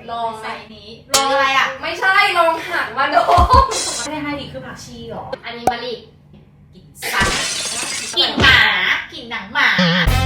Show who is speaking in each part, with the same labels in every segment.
Speaker 1: ลอง
Speaker 2: ไซส์นี้ลองอะไรอ่ะ
Speaker 1: ไม่ใช่ลองหักมาดม
Speaker 2: ไม่ได้ให้ดิคือผักชีหรอ
Speaker 1: อันนี้มะลิ
Speaker 2: กลิ่นสัตว์กลิ่นหมากลิ่นหนังหมา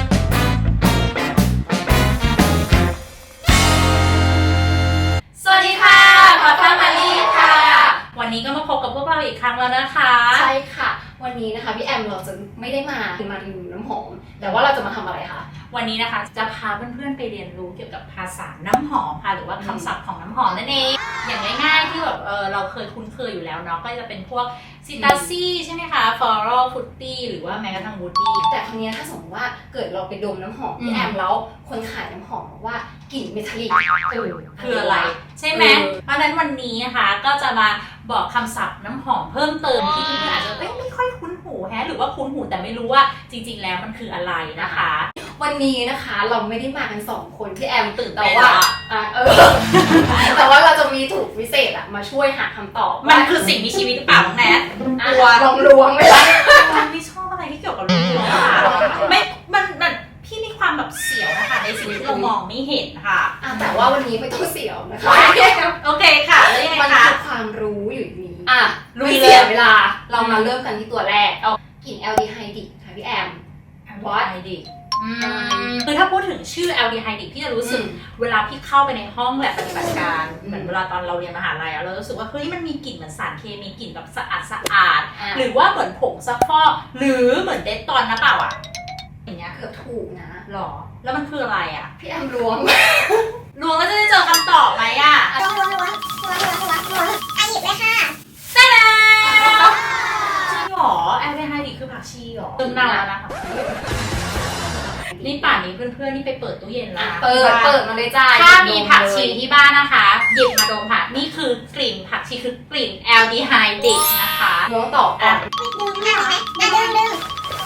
Speaker 2: สวัสดีค่ะขอต้อนรับลี่ค่ะวันนี้ก็มาพบกับพวกเราอีกครั้งแล้วนะคะ
Speaker 1: ใช่ค่ะวันนี้นะคะพี่แอมเราจะไม่ได้มารีวิวน้ำหอมแต่ว่าเราจะมาทำอะไรคะ
Speaker 2: วันนี้นะคะจะพาเพื่อนๆไปเรียนรู้เกี่ยวกับภาษาน้ำหอมค่ะหรือว่าคำศัพท์ของน้ำหอมนั่นเองอย่างง่ายๆที่แบบเราเคยคุ้นเคยอยู่แล้วเนาะก็จะเป็นพวกซิตาซี่ใช่ไหมคะฟลอรัลฟรุตตี้หรือว่าแม้กระทั่งวูดดี้
Speaker 1: แต่ครั้งนี้ถ้าสมมติว่าเกิดเราไปดมน้ำหอมพี่แอมแล้วคนขายน้ำหอมบอกว่ากลิ่นเมทัลลิก
Speaker 2: คืออะไรใช่ไหมเพราะฉะนั้นวันนี้นะคะก็จะมาบอกคำศัพท์น้ำหอมเพิ่มเติมที่เพื่อนอาจจะไม่ค่อยคุ้นหูหรือว่าคุ้นหูแต่ไม่รู้ว่าจริงๆแล้วมันคืออะไรนะคะ
Speaker 1: วันนี้นะคะเราไม่ได้มากัน2คนพี่แอม
Speaker 2: ตื่น
Speaker 1: แต่ว่าแต่ว่าเราจะมีถูกพิเศษมาช่วยหาคำตอบ
Speaker 2: มันคือสิ่งมีชีวิตหรือเปล่าน้องแนท
Speaker 1: ตัวลวงไม่ได้
Speaker 2: ไม่ชอบอะไรที่เกี่ยวกับลวงค่ะไม่มันพี่มีความแบบเสียวนะคะในสิ่งที่เรามองไม่เห็นค่ะ
Speaker 1: แต่ว่าวันนี้ไม่ต้องเสียวนะคะ
Speaker 2: โอเคค่ะแล้วยังไงคะ
Speaker 1: มันคือความรู้อยู่นี้ไม่เสียเวลาเรามาเริ่มกันที่ตัวแรกกลิ่นแอลดีไฮดิกค่ะพี่แอม
Speaker 2: วอตคือถ้าพูดถึงชื่อแอลดีไฮดิกพี่จะรู้สึกเวลาพี่เข้าไปในห้องแลบปฏิบัติการเหมือนเวลาตอนเราเรียนมหาลัยเรารู้สึกว่าเฮ้ยมันมีกลิ่นเหมือนสารเคมีกลิ่นแบบสะอาดหรือว่าเหมือนผงซักฟอกหรือเหมือนเดตตอนนะเปล่าอ่ะอย่างเงี้ย
Speaker 1: เกือบถูกนะ
Speaker 2: หรอแล้วมันคืออะไรอ่ะ
Speaker 1: พี่แอมล้วง
Speaker 2: ล้วงก็จะได้เจอคำตอบไหมอ่ะ
Speaker 3: ล้วงหยิบเลยค่ะ
Speaker 2: ใช่แล้วจริงหรอแอลดีไฮดิกคือผักชีหรอเติมน้ำแล้วนะคะนี่ป่านนี้เพื่อนๆนี่ไปเปิดตู้เย็นแล้ว
Speaker 1: เปิดมาเลยจ้า
Speaker 2: ถ้ามีผักชีที่บ้านนะคะหยิบมาดมค่ะนี่คือกลิ่นผักชีคือกลิ่นแอลดีไฮดิกนะคะ
Speaker 1: ล้วงต่อก่อน
Speaker 3: ดึง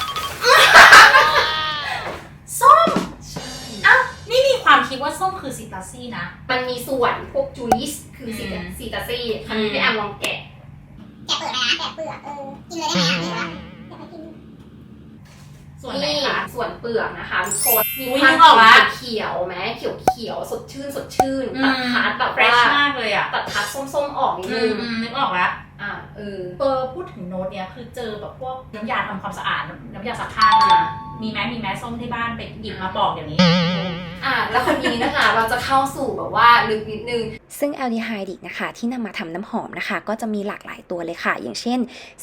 Speaker 2: ส้มอ้าวนี่มีความคิดว่าส้มคือซิตาซี่นะ
Speaker 1: มันมีส่วนพวกจูอิสคือซิตาซี่ครั้งนี้พี่แอมลองแกะ
Speaker 3: เปลือกนะแกะเปลือกกินเลยได้ไหมคะ
Speaker 2: ส่วนไหนคะ
Speaker 1: ส่วนเปลือกนะคะทุกคน
Speaker 2: มีความ
Speaker 1: เขียวไหมเขียวสดชื่นตัดทัดแบบ
Speaker 2: ว่ามากเลยอ่ะ
Speaker 1: ตัดทัดส้มออกนิดนึง
Speaker 2: นึกออกแล้ว
Speaker 1: พู
Speaker 2: ดถึงโน้ตเนี้ยคือเจอแบบพวกน้ำยาทำความสะอาดน้ำยาซักผ้ามีแม้ส้มที่บ้านไปหยิบมาบอกเดี๋ยวนี้
Speaker 1: แล้วคนนี้นะคะเราจะเข้าสู่แบบว่าลึกนิดนึง
Speaker 4: ซึ่งแอลดีไฮดิกนะคะที่นำมาทำน้ำหอมนะคะก็จะมีหลากหลายตัวเลยค่ะอย่างเช่น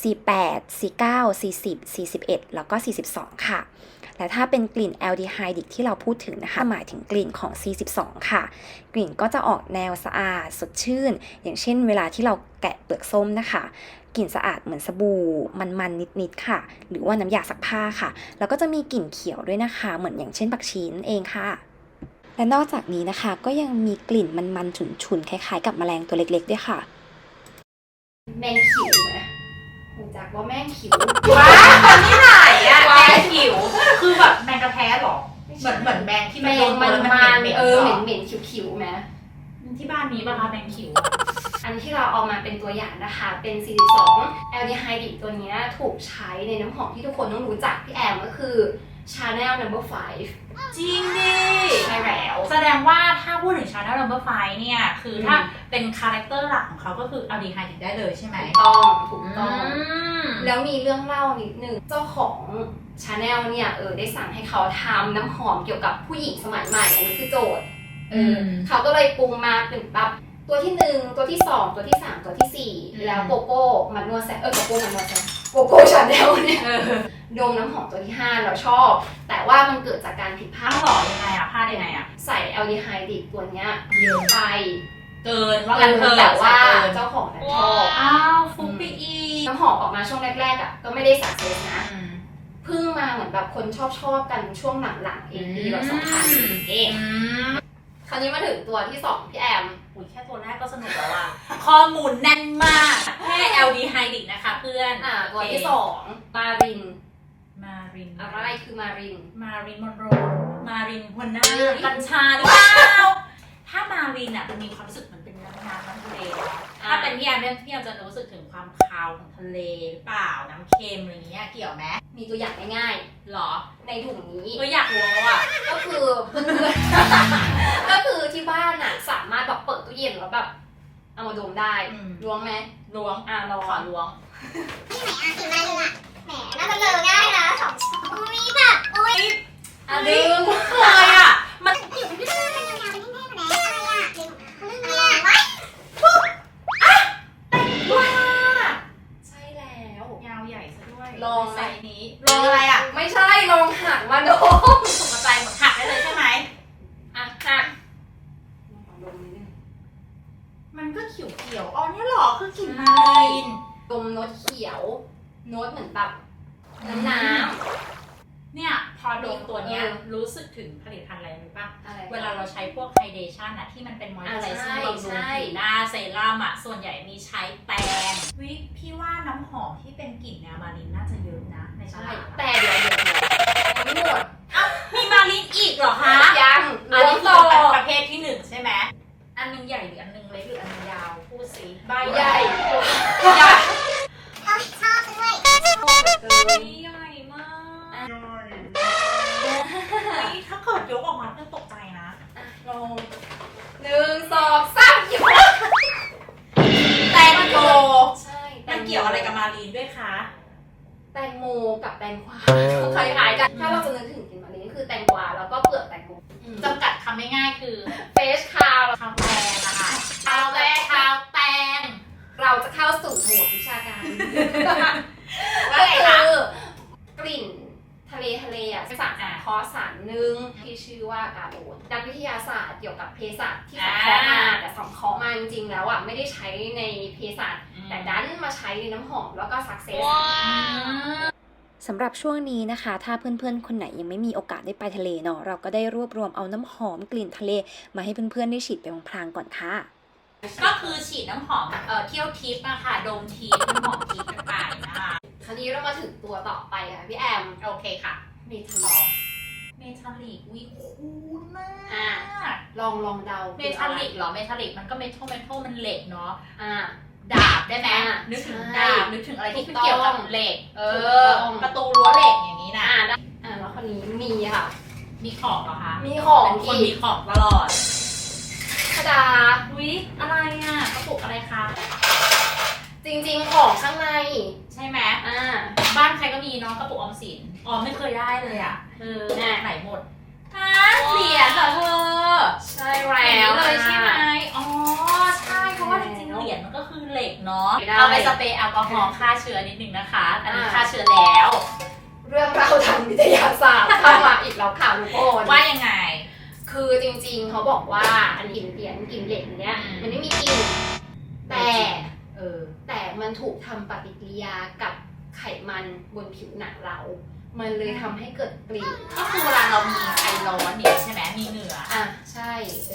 Speaker 4: C8 C9 C10 C11 แล้วก็ C12 ค่ะและถ้าเป็นกลิ่นแอลดีไฮดิกที่เราพูดถึงนะคะหมายถึงกลิ่นของ C12 ค่ะกลิ่นก็จะออกแนวสะอาดสดชื่นอย่างเช่นเวลาที่เราแกะเปลือกส้มนะคะกลิ่นสะอาดเหมือนสบู่มันนิดค่ะหรือว่าน้ำยาซักผ้าค่ะแล้วก็จะมีกลิ่นเขียวด้วยนะคะเหมือนอย่างเช่นผักชีนั่นเองค่ะและนอกจากนี้นะคะก็ยังมีกลิ่นมันฉุนๆคล้ายๆกับแมลงตัวเล็กๆด้วยค่ะ
Speaker 1: แมงขิวไหมรู้จักว่าแมงขิว
Speaker 2: ว้าที่ไหนอะแมงขิวคือแบบแมงกระแทหรอเหมือนแมงที่
Speaker 1: มันเหม็นขิวไหม
Speaker 2: ที่บ้านมีป่ะคะแมงขิว
Speaker 1: อันที่เราเอามาเป็นตัวอย่างนะคะเป็น 42 แอลดีไฮดิกตัวนี้ถูกใช้ในน้ำหอมที่ทุกคนต้องรู้จักพี่แอมก็คือ Chanel No. 5
Speaker 2: จริงดิ
Speaker 1: ใช่แล้ว
Speaker 2: แสดงว่าถ้าพูดถึง Chanel No. 5เนี่ยคือถ้าเป็นคาแรคเตอร์หลักของเขาก็คือแอลดีไฮดิกได้เลยใช่ไหม
Speaker 1: ถูกต้องแล้วมีเรื่องเล่านิดนึงเจ้าของ Chanel เนี่ยได้สั่งให้เขาทำน้ำหอมเกี่ยวกับผู้หญิงสมัยใหม่อันนี้คือโจทย์เขาก็เลยปรุงมาเป็นแบบตัวที่1ตัวที่2ตัวที่3ตัวที่4แล้วโกโก้มันนัวแซ่โกโก้มันนัวแซ่โกโก้ชาแนลเนี่ยดมน้ำหอมตัวที่5เราชอบแต่ว่ามันเกิดจากการผิดพลาด
Speaker 2: หรอยังไงอะพลาดยังไงอะ
Speaker 1: ใส่แอลดีไฮดิกตัวเนี้ยเยอะไป
Speaker 2: เกินว่ากันเถอะ
Speaker 1: แต่ว่าเจ้าของชอบ
Speaker 2: ฟุกไปอี
Speaker 1: น้ำหอมออกมาช่วงแรกๆก็ไม่ได้สักเซสนะเพิ่งมาเหมือนแบบคนชอบกันช่วงหลังๆปีแบบ2000เองคราวนี้มาถึงตัวที่2พี่แอม
Speaker 2: แค่ตัวแรกก็สนุกแล้วอะข้อมูลแน่นมากแค่แอลดีไฮดิกนะคะเพื่อน
Speaker 1: ตัวที่2มารินอะไรคือมาริน
Speaker 2: มอนโรมารินหัวหน้ากัญชาหรือเปล่าถ้ามารินอะมันมีความรู้สึกเหมือนเป็นน้ำทะเลถ้าเป็นพี่แอมจะรู้สึกถึงความคาวของทะเลหรือเปล่าน้ำเค็มอะไรเงี้ยเกี่ยวไหม
Speaker 1: มีตัวอย่างง่าย
Speaker 2: ๆหรอ
Speaker 1: ในถุงนี้
Speaker 2: อยากรู้ว่า
Speaker 1: ก็คือที่บ้านสามารถแบบเปิดกลิ่นแล้วแบบเอามาดมได้ล้วงไหม
Speaker 2: ล้วง
Speaker 1: ลอง
Speaker 2: ขอล้วง
Speaker 3: ที่ไหนอ่ะกินมาเลยอ่ะแหมน่าจะเจอง่ายนะ2 ชั่วโมงอุ้ยแบบอุ้ย
Speaker 1: ดึง
Speaker 2: เคยอ่ะมัน
Speaker 3: ผิวมันยาวๆเป็นแท่งๆมาแล้วอะไรอ่ะดึงอะไรอ่ะว้าย
Speaker 2: ว้า
Speaker 1: ใช่แล้ว
Speaker 2: ยาวใหญ่ซะด้วย
Speaker 1: ลองไหม
Speaker 2: ไซส์นี้ลองอะไรอ่ะ
Speaker 1: ไม่ใช่ลองหักมาดม
Speaker 2: ตกใจหมดหักได้เลยใช่ไหม
Speaker 1: อ่ะหักลองดมนิดนึง
Speaker 2: มันก็เขียวๆอ๋อเนี่ยหรอคือกลิ่นมาลิน
Speaker 1: ดมโน้ตเขียวโน้ตเหมือนแบบน้ำ
Speaker 2: เนี่ยพอดมตัวเนี้ย
Speaker 1: เออ
Speaker 2: รู้สึกถึงผลิตภัณฑ์อะไรรู้ป่ะ
Speaker 1: อะไร
Speaker 2: เวลาเราใช้พวกไฮเดชั่นอะที่มันเป็นมอยส์เจอร์
Speaker 1: ใช่
Speaker 2: บำรุง
Speaker 1: ใช่
Speaker 2: ผิวหน้าเซรั่มอะส่วนใหญ่มีใช้แปรงวิพี่ว่าน้ำหอมที่เป็นกลิ่นแนวมาลินน่าจะเยอะนะในต
Speaker 1: ใช่
Speaker 2: ลาด
Speaker 1: แต่เดี๋ยวยังไม่หมด
Speaker 2: มีมาลินอีกเหรอคะ
Speaker 1: ยัง
Speaker 2: อันนี้
Speaker 1: ต่
Speaker 2: คือ อประเภทที่1ใช่ไหมอันนึงใหญ่หรืออันนึงเล็กหรืออันนึงยาวพูดสิใบ
Speaker 1: ใหญ่
Speaker 2: ใหญ่
Speaker 3: เอาชอบด้วย
Speaker 2: ใหญ่มากนี่ถ้าเกิดยกออกมาเพื่อนตกใจนะ
Speaker 1: ลง1 2 3หยิบ
Speaker 2: แตงโม
Speaker 1: ใช่
Speaker 2: มันเกี่ยวอะไรกับมารีนด้วยคะ
Speaker 1: แตงโมกับแตงกวาคล้ายๆกัน ถ้าเราจะนึกถึงกลิ่นมะลิก็คือแตงกวาแล้วก็เปลือกแตงโม
Speaker 2: จำกัดคำง่ายๆคือ
Speaker 1: เฟชคาว
Speaker 2: ข้าวแตงนะคะข้าวแตงข้าวแตง
Speaker 1: เราจะเข้าสู่โหมดวิชาการ
Speaker 2: ว่า
Speaker 1: ก็
Speaker 2: ไง
Speaker 1: คื
Speaker 2: คะ
Speaker 1: อกลิ่นทะเลอ่ะเป็นสารสังเคราะห์สารหนึ่งที่ชื่อว่ากาโบนนักวิทยาศาสตร์เกี่ยวกับเภสัชที่สังเคราะห์มาแต่สังเคราะห์มาจริงๆแล้วอ่ะไม่ได้ใช้ในเภสัชแต่ดันมาใช้ในน้ำหอมแล้วก็สักเซส
Speaker 4: สำหรับช่วงนี้นะคะ ถ้าเพื่อนๆ คนไหนยังไม่มีโอกาสได้ไปทะเลเนาะเราก็ได้รวบรวมเอาน้ำหอมกลิ่นทะเลมาให้เพื่อนๆ ได้ฉีดไปพลางๆก่อนค่ะ
Speaker 2: ก็คือฉีดน้ำหอมเที่ยวทิพย์อะค่ะดมทิพย์น้ำหอมทิพย์กันไปนะคะ
Speaker 1: คราวนี้เรามาถึงตัวต่อไปค่ะพี่แอม
Speaker 2: โอเคค่ะ
Speaker 1: เมทาลอม
Speaker 2: เมทัลลิกวิคูลมาก
Speaker 1: ลองเดา
Speaker 2: เมทัลลิกเหรอเมทัลลิกมันก็เมทัลมันเหล็กเนาะ
Speaker 1: อ่า
Speaker 2: ดาบได้ไหม
Speaker 1: อ่ะ
Speaker 2: นึกถึง
Speaker 1: ใช่
Speaker 2: ดาบนึกถึงอะไรที่
Speaker 1: ถู
Speaker 2: มัน
Speaker 1: กต้อง
Speaker 2: เกี่ยวกับเหล็ก
Speaker 1: ถูกต้อง
Speaker 2: ประตูรั้วเหล็กอย่างนี้นะ
Speaker 1: แล้วคนนี้มีค่ะ
Speaker 2: มีของเหรอคะ
Speaker 1: มีของ
Speaker 2: เป็นคน
Speaker 1: อี
Speaker 2: มี
Speaker 1: ก
Speaker 2: ของตลอด
Speaker 1: ธดา
Speaker 2: วิอะไรอ่ะกระปุกอะไรคะ
Speaker 1: จริงๆของข้างใน
Speaker 2: ใช่ไหม
Speaker 1: อ่า
Speaker 2: บ้านใครก็มีเนาะกระปุกออมสินอ๋อไม่เคยได้เลยอ่ะไหนหมดเหรียญเหรอเธอ
Speaker 1: ใช่
Speaker 2: แหว
Speaker 1: แล้ว
Speaker 2: เลยใช่ไหมอ๋อใช่เพราะว่าจริงๆเหรียญมันก็คือเหล็กเนาะ
Speaker 1: ได้
Speaker 2: เอาไปสเปรย์แอลกอฮอล์ฆ่าเชื้อนิดนึงนะคะอันนี้ฆ่าเชื้อแล้ว
Speaker 1: เรื่องราวทางวิทยาศาสตร์เข้ามาอีกแล้วค่ะทุกคน
Speaker 2: ว่ายังไง
Speaker 1: คือจริงๆเขาบอกว่าอันกลิ่นเหรียญกลิ่นเหล็กเนี้ย
Speaker 2: อืม
Speaker 1: มันไม่มีกลิ่นแต่
Speaker 2: แต่
Speaker 1: มันถูกทำปฏิกิริยากับไขมันบนผิวหนังเรา มันเลยทำให้เกิดกลิ่น
Speaker 2: ก็คือเวลาเรามีไอร้อนเนี่ยใช่ไหมมีเหงื่อ
Speaker 1: อ่ะใช่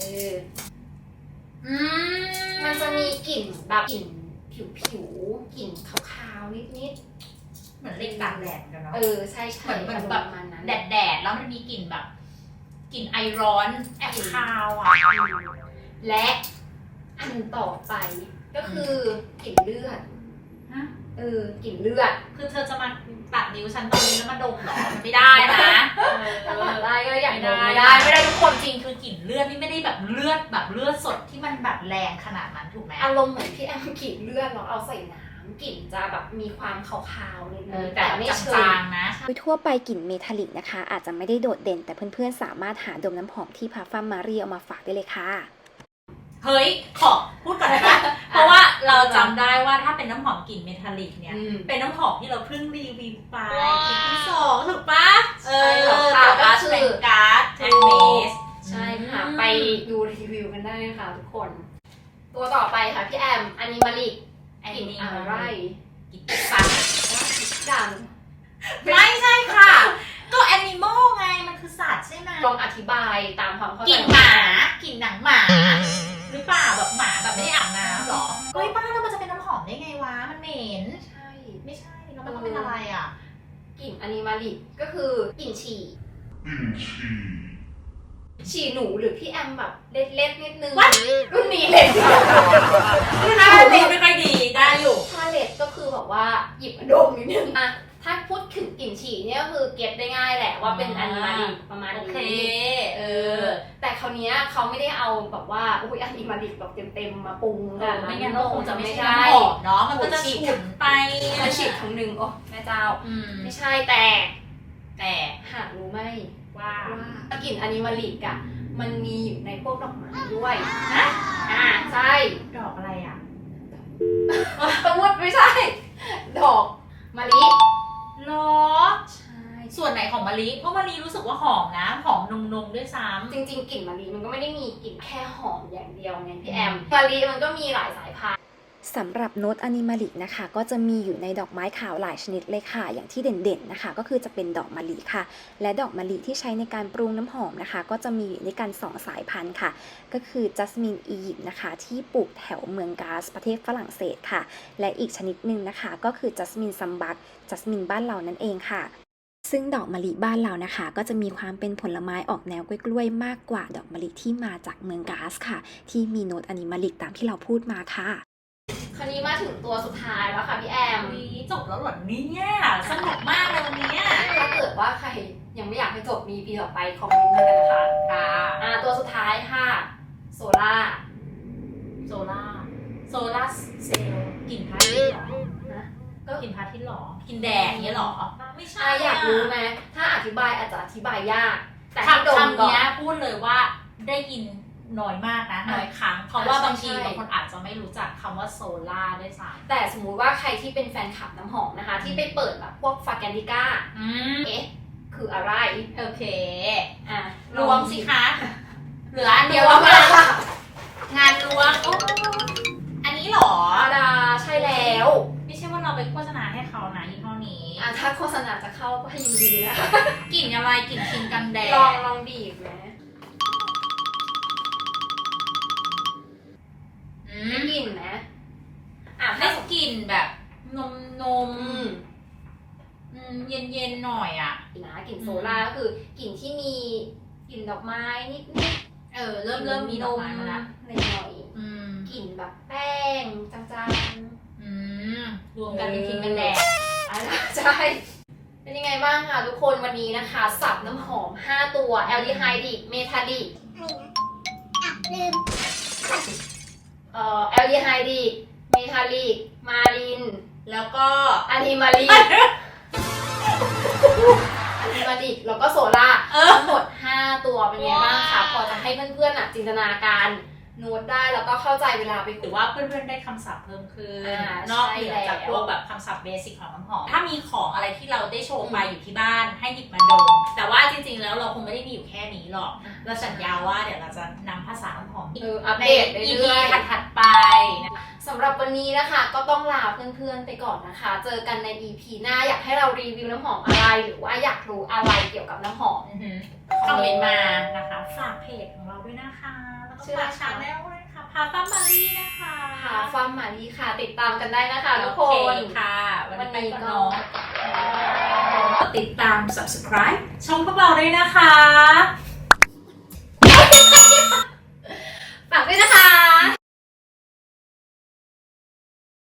Speaker 2: อื
Speaker 1: มันจะมีกลิ่นแบบกลิ่นผิวกลิ่นขาวๆนิด
Speaker 2: เหมือนเหล็กตากแดดกันเนาะ
Speaker 1: ๆใช่
Speaker 2: เหมือนแบบ
Speaker 1: ประมาณนั้น
Speaker 2: แดดแล้วมันมีกลิ่นแบบกลิ่นไอร้อนแอบคาวอ่ะ
Speaker 1: และอันต่อไปก็คือกลิ่นเลือด
Speaker 2: ฮะ
Speaker 1: กลิ่นเลือด
Speaker 2: คือเธอจะมาตัดนิ้วฉันตรงนี้แล้วมาดมเหรอมันไม่ได้นะ
Speaker 1: ถ้าตัดได้ก็อยาก
Speaker 2: ไม่
Speaker 1: โดน
Speaker 2: ได้ไม่ได้ทุกคนจริงคือกลิ่นเลือดนี่ไม่ได้แบบเลือดสดที่มันแบบแรงขนาดนั้นถูกไหม
Speaker 1: อารมณ์เหมือนพี่แอมกลิ่นเลือดเราเอาใส่น้ำกลิ่นจะแบบมีความขาวๆนิดนึง
Speaker 2: แต่ไม่
Speaker 1: เชิ
Speaker 2: จางๆนะ
Speaker 4: โดยทั่วไปกลิ่นเมทัลลิกนะคะ อาจจะไม่ได้โดดเด่น แต่เพื่อนๆ สามารถหาดมน้ำหอมที่พาฟัมมารีเอามาฝากได้เลยค่ะ
Speaker 2: เฮ้ยขอพูดก่อนนะ เพราะว่าเราจำได้ว่าถ้าเป็นน้ำหอมกลิ่นเมทัลลิกเนี่ยเป็นน้ำหอมที่เราเพิ่งรีวิวไปคลิปที่2ถูกปะ
Speaker 1: ใช่แล้วค่ะก็คือ
Speaker 2: เป็นการ์ดแอนเมส
Speaker 1: ใช่ค่ะไปดูรีวิวกันได้ค่ะทุกคน ตัวต่อไปค่ะพี่แอมอันนี้มาลิกกลิ่นอะไร
Speaker 2: กลิ่นสัตว์
Speaker 1: ดัง
Speaker 2: ไม่ใช่ค่ะ ก็แอนิมอลไงมันคือสัตว์ใช่ไหม
Speaker 1: ลองอธิบายตามความเข้าใจ
Speaker 2: กลิ่นหมากลิ่นหนังหมาหรือเปล่าแบบหมาแบบไม่ได้อาบน้ำหรอเฮ้ยบ้าแล้วมันจะเป็นน้ำหอมได้ไงวะมันเหม็น
Speaker 1: ใช่
Speaker 2: ไม่ใช่แล้วมันต้องเป็นอะไรอ่ะ
Speaker 1: กลิ่นอันนี้มาลิกก็คือกลิ่นฉี่ฉี่หนูหรือพี่แอมแบบเล็ดๆนิดนึงรุ่นนี้เล็ด
Speaker 2: ถ้าเล็ดไม่ค่อยดีได้อยู่
Speaker 1: ถ้าเล็ดก็คือแบบว่าหยิบมาดมนิดนึงอะถ้าพูดถึงกลิ่นกลิ่นฉี่เนี่ยก็คือเก็ตได้ง่ายแหละว่าเป็นอนิมาลิกประมาณ
Speaker 2: โอ
Speaker 1: นี้
Speaker 2: เค
Speaker 1: แต่คราวเนี้ยเขาไม่ได้เอาแบบว่าอุ้ยอนิมาลิกแบบเต็มๆมาปรุง
Speaker 2: ไม่งั้นก็คงจะไม่ใช่
Speaker 1: ใช่
Speaker 2: น้ำหอมเนาะมันก็จะฉุนไป
Speaker 1: มันฉีดทั้งหนึ่งโอ้แม่เจ้าไม่ใช่แต่ หากรู้ไหม
Speaker 2: ว่า
Speaker 1: ว่ากลิ่นอนิมาลิกอ่ะมันมีอยู่ในพวกดอกไม้ด้วย
Speaker 2: ฮะ
Speaker 1: ใช่
Speaker 2: ดอกอะไรอ่ะ
Speaker 1: สมมติไม่ใช่ ดอกมะลิ
Speaker 2: หรอ
Speaker 1: ใช่
Speaker 2: ส่วนไหนของมะลิเพราะมะลิรู้สึกว่าหอมนะหอมนมๆด้วยซ้
Speaker 1: จริงๆกลิ่นมะลิมันก็ไม่ได้มีกลิ่นแค่หอมอย่างเดียวไงพี่แอมมะลิมันก็มีหลายสายพันธุ์
Speaker 4: สำหรับโน้ตอนิมาลิกนะคะก็จะมีอยู่ในดอกไม้ขาวหลายชนิดเลยค่ะอย่างที่เด่นๆนะคะก็คือจะเป็นดอกมะลิค่ะ และดอกมะลิที่ใช้ในการปรุงน้ำหอมนะคะก็จะมีอยู่ในกัน2สายพันธุ์ค่ะก็คือจัสมินอียิปต์นะคะที่ปลูกแถวเมืองกาสประเทศฝรั่งเศสค่ะและอีกชนิดหนึ่งนะคะก็คือจัสมินซัมบักจัสมินบ้านเรานั่นเองค่ะซึ่งดอกมะลิบ้านเรานะคะก็จะมีความเป็นผลไม้ออกแนวกล้วยๆมากกว่าดอกมะลิที่มาจากเมืองกาสค่ะที่มีโน้ตอนิมาลิกตามที่เราพูดมาค่ะ
Speaker 1: คราวนี้มาถึงตัวสุดท้ายแล้วค่ะพี่แอม
Speaker 2: ำจบแล้วเหรอเนี่ยสนุกมากเลยวันนี้
Speaker 1: ถ้าเกิดว่าใครยังไม่อยากให้จบมีปีต่อไปคอมเมนต์มากันนะคะ ตัวสุดท้ายค่ะโซล่า
Speaker 2: โซล่าเซลล์กลิ่นพระอาทิตย์หรอ
Speaker 1: นะ
Speaker 2: ก็กลิ่นพระอาทิตย์หรอกลิ่นแดงอย่างเงี้ยหรอไม่ใช่
Speaker 1: อยากรู้ไหมถ้าอธิบายอาจจะอธิบายยาก แต่ให้ดม
Speaker 2: คำ
Speaker 1: ก่อน
Speaker 2: นี้พูดเลยว่าได้ยินน้อยมากนะน้อยครั้งเพราะว่าบางทีบางคนอาจจะไม่รู้จักคำว่าโซล่าด้วยซ้ำ
Speaker 1: แต่สมมุติว่าใครที่เป็นแฟนคลับน้ำหอมนะคะ ที่ไปเปิดแบบพวกฟาแกนดิก้าเอ๊ะคืออะไร
Speaker 2: โอเค
Speaker 1: ร
Speaker 2: ร
Speaker 1: ว
Speaker 2: ว
Speaker 1: ม
Speaker 2: ม
Speaker 1: สิ
Speaker 2: สิ
Speaker 1: คะ
Speaker 2: คะเหลืออัน
Speaker 1: เดี
Speaker 2: เดี
Speaker 1: ย
Speaker 2: ยว ว
Speaker 1: ว่า
Speaker 2: แล้ว
Speaker 1: มา
Speaker 2: งานรวมโอ้อันนี้เหรอ
Speaker 1: อาดาใช่แล้ว
Speaker 2: ไม่ใช่ว่าเราไปโฆษณาให้เขานะยี่ห้อนี้
Speaker 1: ถ้าโฆษณาจะเข้าก็ยินดีนะคะ
Speaker 2: กลิ่นอะไรกลิ่นครีมกันแดด
Speaker 1: ลองบีบไหมได้กลิ่นไหม
Speaker 2: ได้กลิ่นแบบนม
Speaker 1: อืม
Speaker 2: เย็นๆหน่อยอ่ะ
Speaker 1: นะกลิ่นโซล่าก็คือกลิ่นที่มีกลิ่นดอกไม้นิด
Speaker 2: เริ่มมีดอกไม้มาละ
Speaker 1: หน่อยๆกลิ่นแบบแป้งจาง
Speaker 2: รวมกันเป็นครีมกันแดด
Speaker 1: ๆใช่เป็นยังไงบ้างคะทุกคนวันนี้นะคะ สับน้ำหอม 5 ตัวแอลดีไฮดิกเมทาลิก
Speaker 3: อะไรนะลืม
Speaker 1: แอลดีไฮดิกเมทาลิกมาริน
Speaker 2: แล้วก็
Speaker 1: อะนิมาลิกอะนิมาลิกแล้วก็โซล่าทั้งหมด 5 ตัวเป็นไงบ้างคะพอจะให้เพื่อนๆจินตนาการโน้ตได้แล้วก็เข้าใจเวลาไป
Speaker 2: ห
Speaker 1: คุ
Speaker 2: รื
Speaker 1: ย
Speaker 2: อว่าเพื่อนๆได้คำศัพท์เพิ่มขึ้น
Speaker 1: น
Speaker 2: นอกเหนือ
Speaker 1: ใช่
Speaker 2: จาก
Speaker 1: แล้ว
Speaker 2: พวกแบบคำศัพท์เบสิกของน้ำหอมถ้ามีของอะไรที่เราได้โชว์ไปอยู่ที่บ้านให้หยิบมาดมแต่ว่าจริงๆแล้วเราคงไม่ได้มีอยู่แค่นี้หรอกเราสัญญาว่าเดี๋ยวเราจะนำภาษาน้ำหอม
Speaker 1: อัป
Speaker 2: ใน
Speaker 1: เดต
Speaker 2: EP
Speaker 1: เรื่อยๆ
Speaker 2: ถัดๆไปนะ
Speaker 1: สำหรับวันนี้นะคะก็ต้องลาเพื่อนๆไปก่อนนะคะ เจอกันใน EP หน้าอยากให้เรารีวิวน้ำหอมอะไร หรือว่าอยากรู้อะไรเกี่ยวกับน้ำหอม
Speaker 2: คอมเมนต์มานะคะฝากเพจของเราด้วยนะคะแล้วก็
Speaker 1: ชื่ออะไร
Speaker 2: ฝาก
Speaker 1: คะ
Speaker 2: ชาแนลด้วยค่ะพาฟ้ามารีนะคะ
Speaker 1: ค่ะฟาร์มมารีค่ะ ติดตามกันได้นะคะทุกค
Speaker 2: โอน เคค่ะ วันนี้ก็น้องติดตาม subscribe ช่องพวกเราด้วยนะคะ